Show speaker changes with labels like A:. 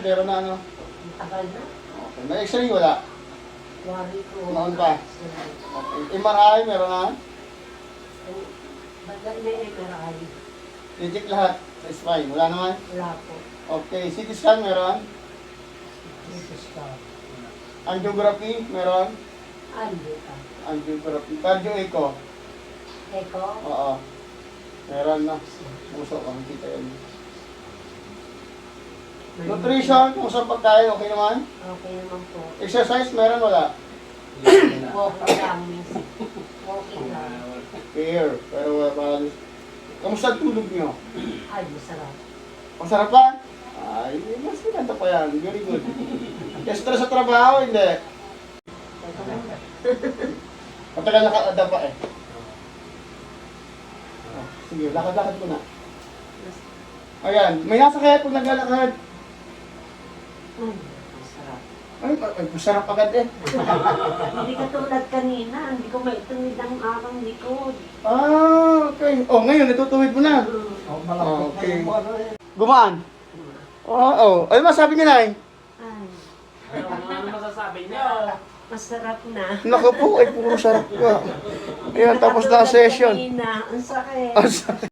A: Meron na ano?
B: Ang tagal na.
A: Okay. May x-ray wala?
B: Wari ko.
A: Noon pa? Okay. MRI meron na?
B: Baga na MRI.
A: Reject lahat sa spine. Wala naman?
B: Wala po.
A: Okay. CT scan meron?
B: Dito siya.
A: Angiography meron?
B: Ando ka.
A: Angiography. Cardio echo?
B: Eko?
A: Oo. Meron na. Puso ka. Kita yun. Nutrition, kung saan pagkain, okay naman?
B: Okay naman po.
A: Exercise, meron wala?
B: Walking lang. Walking lang.
A: Fair. Pero wala pa. Kamusta ang tulog nyo?
B: Ay, masarap.
A: Masarap ba? Ay, mas maganda pa yan. Very good. Stress sa trabaho, hindi.
B: Eko lang.
A: Matagal nakakada pa eh. Oh, sige, lakad-lakad ko na. Ayan, may nasakit pag naglalakad.
B: Ay, masarap.
A: Ay, masarap agad eh.
B: Hindi ka tulad kanina. Hindi ko maituwid ang akong likod.
A: Ah, okay. Oh, ngayon, natutuwid mo na. Okay. Gumaan? Oo. Ano masabi niya, Nay?
B: Ay,
C: Ano masasabi niyo?
B: masarap na.
A: Naku po, ay puro sarap ka. Ayan, tapos na ang session.
B: Kanina, ang sakit.
A: Ang sakit.